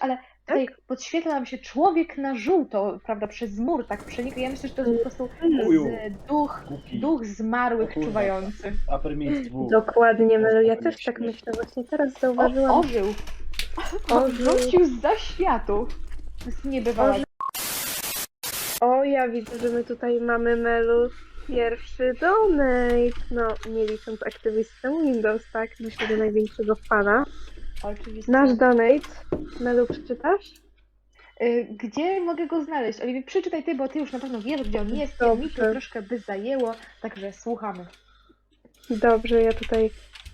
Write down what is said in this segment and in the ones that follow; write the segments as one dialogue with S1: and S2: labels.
S1: ale tutaj podświetla nam się człowiek na żółto, prawda, przez mur tak przenika. Ja myślę, że to jest po prostu duch zmarłych
S2: O kurwa.
S1: czuwający.
S2: Upper mid 2.
S3: Dokładnie, Melu, ja
S2: Upper
S3: też
S2: mid
S3: tak
S2: śmieszne.
S3: myślę. Właśnie teraz
S1: O,
S3: zauważyłam.
S1: ożył.
S3: Ożył.
S1: Wrócił zza światu. To jest niebywała.
S3: Ożył. O, ja widzę, że my tutaj mamy, Melu, pierwszy donate. No, nie licząc aktywistę Windows, tak? Myślę, że największego fana.
S1: Oczywiście.
S3: Nasz donate. Melu, przeczytasz?
S1: Gdzie mogę go znaleźć? Oliwie, przeczytaj ty, bo ty już na pewno wiesz, gdzie on jest. Ja mi to
S3: Dobrze.
S1: troszkę by zajęło, także słuchamy.
S3: Dobrze, ja tutaj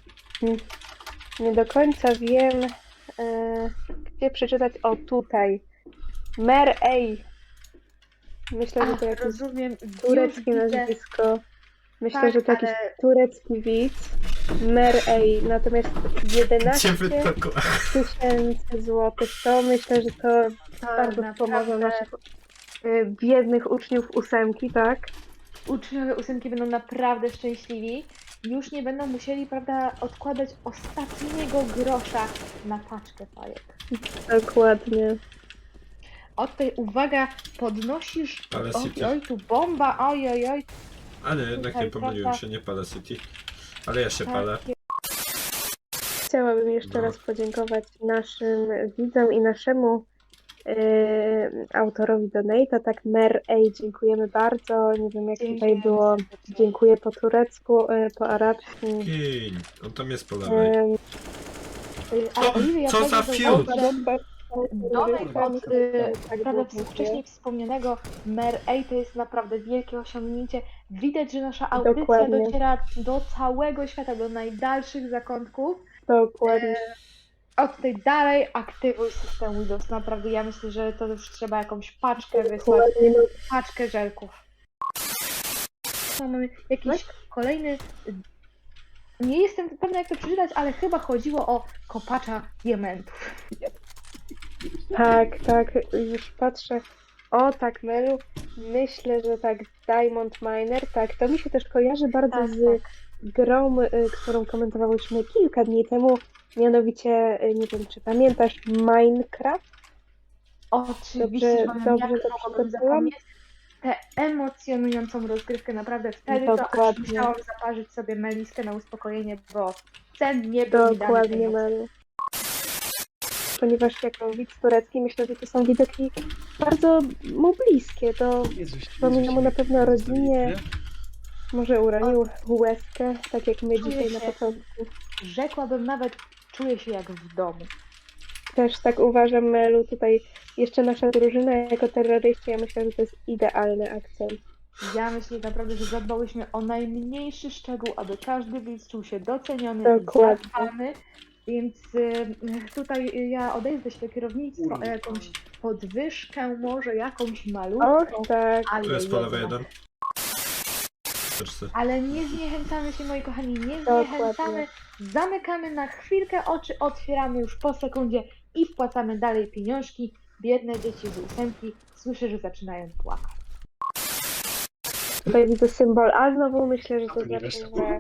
S3: nie do końca wiem, gdzie przeczytać. O, tutaj. Mer Ej. Myślę, że to jakieś
S1: rozumiem.
S3: tureckie
S1: Już widzę.
S3: nazwisko. Myślę,
S1: Tak,
S3: że to jakiś
S1: ale-
S3: turecki widz. Mer Ej. Natomiast 11
S4: Ciebie to
S3: tysięcy złotych. To myślę, że to bardzo pomoże naszych biednych uczniów ósemki, tak?
S1: Uczniowie ósemki będą naprawdę szczęśliwi. Już nie będą musieli, prawda, odkładać ostatniego grosza na paczkę fajek.
S3: Dokładnie.
S1: O, tutaj uwaga, podnosisz.
S4: Ale
S1: Oj,
S4: City.
S1: oj, tu bomba, oj, oj, oj.
S4: A nie, jednak
S1: Tutaj,
S4: nie pomyliłem
S1: prawda?
S4: się, nie palę City. Ale ja się palę.
S3: Chciałabym jeszcze
S4: No.
S3: raz podziękować naszym widzom i naszemu autorowi donate'a, tak Mer Ej, dziękujemy bardzo. Nie wiem jak tutaj
S1: Dziękujemy
S3: było,
S1: serdecznie.
S3: dziękuję po turecku, po arabsku.
S4: Kiń, on tam jest po lewej.
S1: Ale Oliwia, ja
S4: co za
S1: powiem, że
S4: fiut?
S1: donate od,
S3: Tak,
S1: prawda,
S3: dziękuję.
S1: wcześniej wspomnianego Mer Ej to jest naprawdę wielkie osiągnięcie. Widać, że nasza audycja
S3: Dokładnie.
S1: dociera do całego świata, do najdalszych zakątków.
S3: Dokładnie.
S1: Od tej dalej aktywuj system Windows. Naprawdę ja myślę, że to już trzeba jakąś paczkę wysłać.
S3: Dokładnie.
S1: Paczkę żelków. Mamy jakiś kolejny. Nie jestem pewna jak to przeczytać, ale chyba chodziło o kopacza diamentów.
S3: Tak, tak, już patrzę. O, tak, Melu, myślę, że tak, Diamond Miner, tak, to mi się też kojarzy bardzo
S1: Tak,
S3: z grą, którą komentowałyśmy kilka dni temu, mianowicie, nie wiem, czy pamiętasz, Minecraft?
S1: Oczywiście, że
S3: Dobrze
S1: jak
S3: to
S1: mogłabym
S3: przygotowyłam?
S1: zapomnieć tę emocjonującą rozgrywkę. Naprawdę wtedy to aż
S3: Dokładnie.
S1: musiałam zaparzyć sobie meliskę na uspokojenie, bo sen nie był mi dany
S3: Dokładnie,
S1: tej nocy.
S3: Melu. Ponieważ jako widz turecki myślę, że to są widoki bardzo mu bliskie, to przypomina mu na pewno o rodzinie, może uronił łezkę, tak jak my
S1: Czuję
S3: dzisiaj na
S1: się-
S3: początku.
S1: Rzekłabym nawet, czuję się jak w domu.
S3: Też tak uważam, Melu, tutaj jeszcze nasza drużyna jako terroryści, ja myślę, że to jest idealny akcent.
S1: Ja myślę naprawdę, że zadbałyśmy o najmniejszy szczegół, aby każdy widz czuł się doceniony
S3: Dokładnie.
S1: i zadbany. Więc tutaj ja odejdę się do kierownictwa o jakąś podwyżkę, może jakąś malutką,
S3: Och, tak.
S1: ale
S4: Tu jest po lewej
S1: jednak.
S4: jeden. Patrzcie.
S1: Ale nie zniechęcamy się, moi kochani, nie
S3: Dokładnie.
S1: zniechęcamy. Zamykamy na chwilkę oczy, otwieramy już po sekundzie i wpłacamy dalej pieniążki. Biedne dzieci z ósemki, słyszę, że zaczynają płakać.
S3: Tutaj widzę symbol A znowu, myślę, że to
S2: To nie
S3: znaczy,
S2: wiesz,
S3: że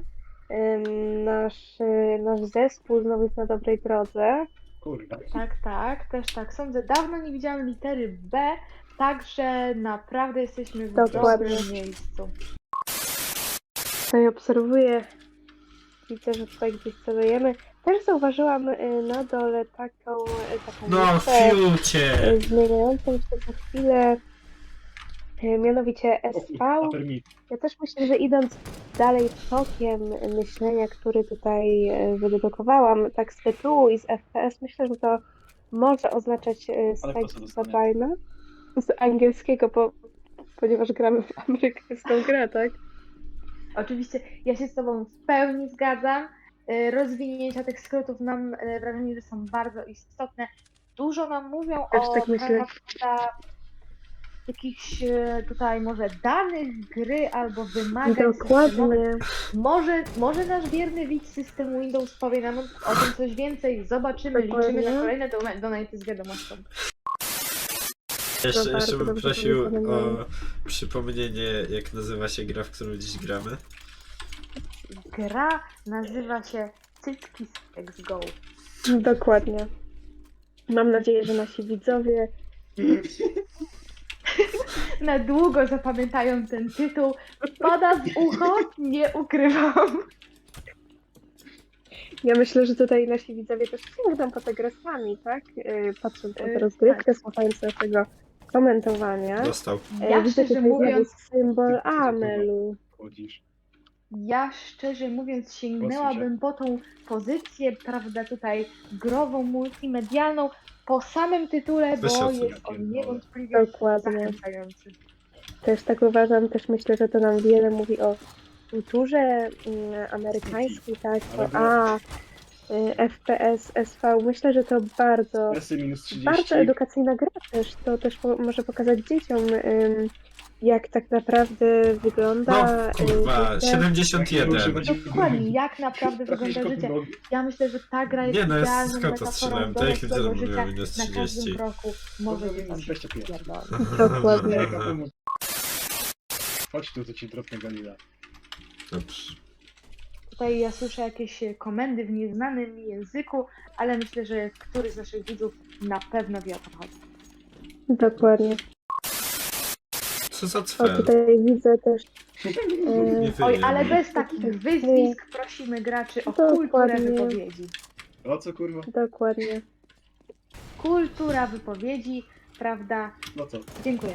S3: nasz zespół znowu jest na dobrej drodze.
S2: Kurwa.
S1: Tak, też tak sądzę. Dawno nie widziałam litery B, także naprawdę jesteśmy w
S3: Dokładnie.
S1: dobrym miejscu.
S3: Tutaj obserwuję, widzę, że tutaj gdzieś celujemy. Też zauważyłam na dole taką
S4: No,
S3: listę,
S4: fiucie!
S3: zmieniającą się za chwilę, mianowicie SV.
S2: Upper mid.
S3: Ja też myślę, że idąc dalej tokiem myślenia, który tutaj wydedukowałam, tak z tytułu i z FPS, myślę, że to może oznaczać
S2: po co
S3: State
S2: dostanę?
S3: Sabina z angielskiego, ponieważ gramy w amerykańską grę, tak?
S1: Oczywiście ja się z Tobą w pełni zgadzam. Rozwinięcia tych skrótów mam wrażenie, że są bardzo istotne. Dużo nam mówią
S3: Też
S1: o
S3: tak myślę.
S1: jakichś tutaj może danych gry albo wymagań systemowych.
S3: Dokładnie.
S1: Może nasz wierny widz systemu Windows powie nam o tym coś więcej. Zobaczymy,
S3: Dokładnie.
S1: liczymy na kolejne donaty z wiadomością.
S4: Jeszcze
S3: bardzo
S4: bym
S3: dobrze
S4: prosił
S3: powiedziane.
S4: o przypomnienie, jak nazywa się gra, w którą dziś gramy.
S1: Gra nazywa się Cycki z Go.
S3: Dokładnie. Mam nadzieję, że nasi widzowie
S1: Na długo zapamiętają ten tytuł. Pada w ucho, nie ukrywam.
S3: Ja myślę, że tutaj nasi widzowie też sięgną po te grę sami, tak? Patrząc na tę rozgrywkę, słuchając naszego komentowania.
S4: Dostał.
S1: Ja
S3: Widzę
S1: szczerze
S3: tutaj
S1: mówiąc,
S3: symbol Amelu.
S2: Chodzisz.
S1: Ja szczerze mówiąc sięgnęłabym po tą pozycję, prawda, tutaj grową, multimedialną po samym tytule, bo
S4: Wyszedł.
S1: jest on niewątpliwie
S3: Dokładnie.
S1: zachęcający.
S3: Też tak uważam, też myślę, że to nam wiele mówi o kulturze amerykańskiej, tak? FPS, SV. Myślę, że to bardzo,
S2: Presy minus 30.
S3: bardzo edukacyjna gra też. To też może pokazać dzieciom, jak tak naprawdę wygląda
S4: No kurwa,
S3: życie.
S4: 71.
S1: Dokładnie, jak naprawdę wygląda życie. Ja myślę, że ta gra jest
S4: Nie no, jest
S1: idealną
S4: skąd to
S1: metaforą
S4: strzelałem? To jakie
S1: dorosłego
S4: widzę,
S1: życia
S4: minus
S1: na
S4: 30.
S1: każdym kroku. Może
S2: Minus
S1: być
S2: 25.
S1: pierdolę.
S3: Dokładnie.
S2: Chodź tu, to ci dropnę Galila.
S4: Dobrze.
S1: Tutaj ja słyszę jakieś komendy w nieznanym mi języku, ale myślę, że któryś z naszych widzów na pewno wie o co chodzi.
S3: Dokładnie.
S4: Co za
S3: O,
S4: cfel?
S3: tutaj widzę też.
S4: Nie
S1: Oj,
S4: wyjem.
S1: ale bez takich wyzwisk prosimy graczy o kulturę
S3: Dokładnie.
S1: wypowiedzi.
S2: O co kurwa?
S3: Dokładnie.
S1: Kultura wypowiedzi, prawda?
S2: No co?
S1: Dziękuję.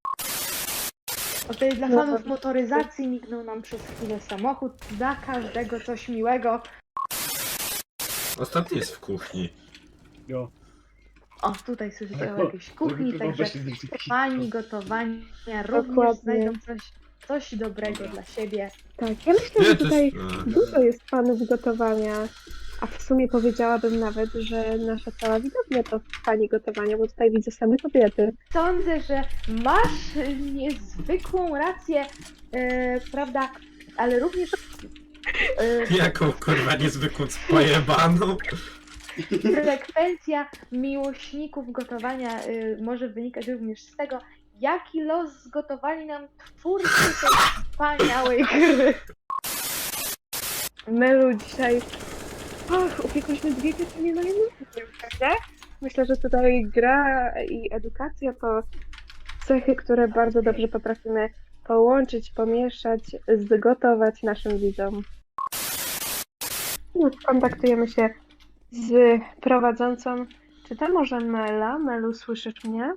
S1: O, tutaj dla
S3: No
S1: fanów
S3: to-
S1: motoryzacji mignął nam przez chwilę samochód. Dla każdego coś miłego.
S4: Ostatni jest w kuchni.
S2: Jo.
S1: O, tutaj słyszycie o jakiejś kuchni,
S2: Żeby
S1: także
S2: wyobraź sobie taki-
S1: fani gotowania również
S3: Dokładnie.
S1: znajdą coś dobrego dla siebie.
S3: Tak, ja myślę, że
S4: Nie, to
S3: tutaj
S4: jest...
S3: dużo jest fanów gotowania, a w sumie powiedziałabym nawet, że nasza cała widownia to fani gotowania, bo tutaj widzę same kobiety.
S1: Sądzę, że masz niezwykłą rację, prawda, ale również
S4: Jaką kurwa niezwykłą pojebaną?
S1: frekwencja miłośników gotowania może wynikać również z tego, jaki los zgotowali nam twórcy tej wspaniałej gry.
S3: Melu dzisiaj... Och, upiekłyśmy dwie pieczenie na jednym ogniu, prawda? Myślę, że tutaj gra i edukacja to cechy, które bardzo dobrze potrafimy połączyć, pomieszać, zgotować naszym widzom. Już kontaktujemy się z prowadzącą. Czy to może Mela? Melu, słyszysz mnie?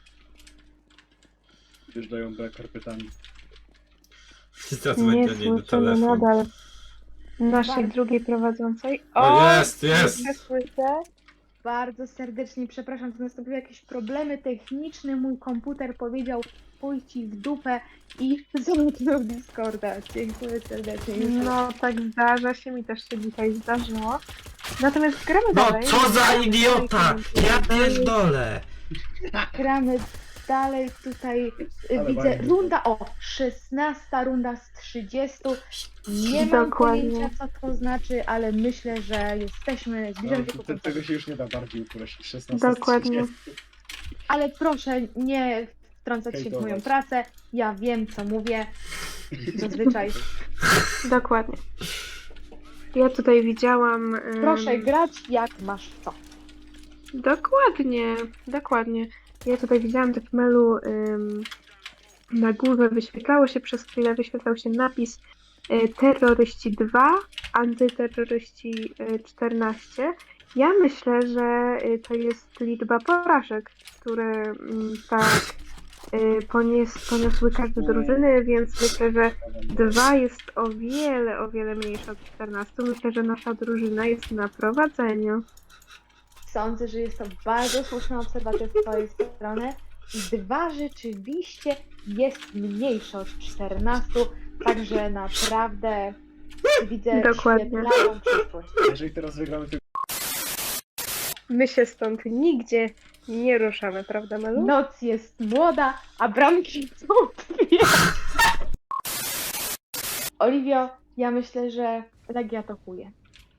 S2: Wjeżdżają B karpetami.
S4: I zadzwoń
S3: Nie
S4: do niej do
S3: słyszymy
S4: telefonu.
S3: nadal naszej
S1: Bardzo.
S3: drugiej prowadzącej.
S4: O, jest, jest!
S3: Nie słyszę.
S1: Bardzo serdecznie przepraszam, że nastąpiły jakieś problemy techniczne. Mój komputer powiedział pójdź ci w dupę i zamknął Discorda. Dziękuję serdecznie.
S3: No, tak zdarza się, mi też się dzisiaj zdarzyło. Natomiast gramy
S4: No
S3: dalej.
S4: co za idiota! Ja pierdolę!
S1: Gramy dalej tutaj.
S2: Ale
S1: Widzę
S2: fajnie.
S1: runda, 16 runda z 30. Nie mam
S3: Dokładnie.
S1: pojęcia co to znaczy, ale myślę, że jesteśmy, zbliżamy się
S2: No,
S1: ku końcowi.
S2: tego się już nie da bardziej uprościć. 16
S3: Dokładnie.
S1: Ale proszę nie wtrącać się w moją
S2: Hejtować.
S1: pracę. Ja wiem co mówię. Zazwyczaj.
S3: Dokładnie. Ja tutaj widziałam...
S1: Proszę grać jak masz co.
S3: Dokładnie, dokładnie. Ja tutaj widziałam tak w mailu na górze wyświetlało się przez chwilę, wyświetlał się napis terroryści 2, antyterroryści 14. Ja myślę, że to jest liczba porażek, które tak poniosły każde drużyny, więc myślę, że 2 jest o wiele mniejsze od 14. Myślę, że nasza drużyna jest na prowadzeniu.
S1: Sądzę, że jest to bardzo słuszna obserwacja z twojej strony. 2 rzeczywiście jest mniejsze od 14, także naprawdę widzę
S3: Dokładnie.
S1: świetlaną przyszłość.
S2: Jeżeli teraz wygramy, to
S3: My się stąd nigdzie nie ruszamy, prawda, Melu?
S1: Noc jest młoda, a bramki są dwie. Oliwio, ja myślę, że Legia topuje.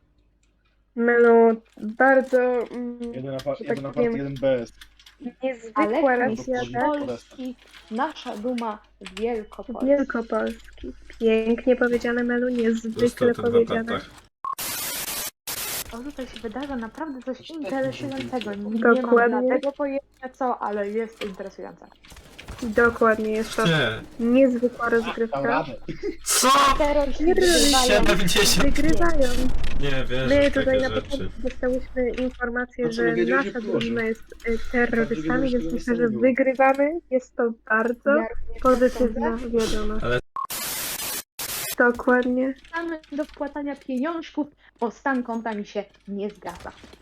S3: Melu, bardzo
S2: jeden
S3: tak
S2: napad,
S3: powiem,
S2: jeden BS.
S3: niezwykła
S1: Ale
S3: racja,
S1: mistrz
S3: tak?
S1: Polski, nasza duma Wielkopolski.
S3: Wielkopolski. Pięknie powiedziane, Melu,
S4: Został
S3: niezwykle
S4: ten w
S3: powiedziane.
S4: apatach.
S1: O, tutaj się wydarza naprawdę coś interesującego. Nie
S3: Dokładnie.
S1: mam dlatego pojęcia co, ale jest interesujące.
S3: Dokładnie, jest to
S4: Nie.
S3: niezwykła
S2: Dam
S3: rozgrywka.
S2: radę.
S4: Co?
S1: Terroryści
S3: Nie
S1: wygrywają.
S4: 70.
S3: Wygrywają.
S4: Nie wierzę
S3: My
S4: w
S3: tutaj
S4: takie
S3: na
S4: rzeczy.
S3: początku dostałyśmy informację,
S2: No co,
S3: że
S2: my wiedzieliśmy,
S3: nasza
S2: że położył.
S3: drużyna jest terrorystami,
S2: Że
S3: więc
S2: tego
S3: myślę,
S2: nie
S3: że
S2: było.
S3: wygrywamy. Jest to bardzo
S1: Ja również
S3: pozytywna
S1: sądzę.
S3: wiadomość.
S4: Ale-
S3: Dokładnie.
S1: Mamy do wpłacania pieniążków, bo stan konta mi się nie zgadza.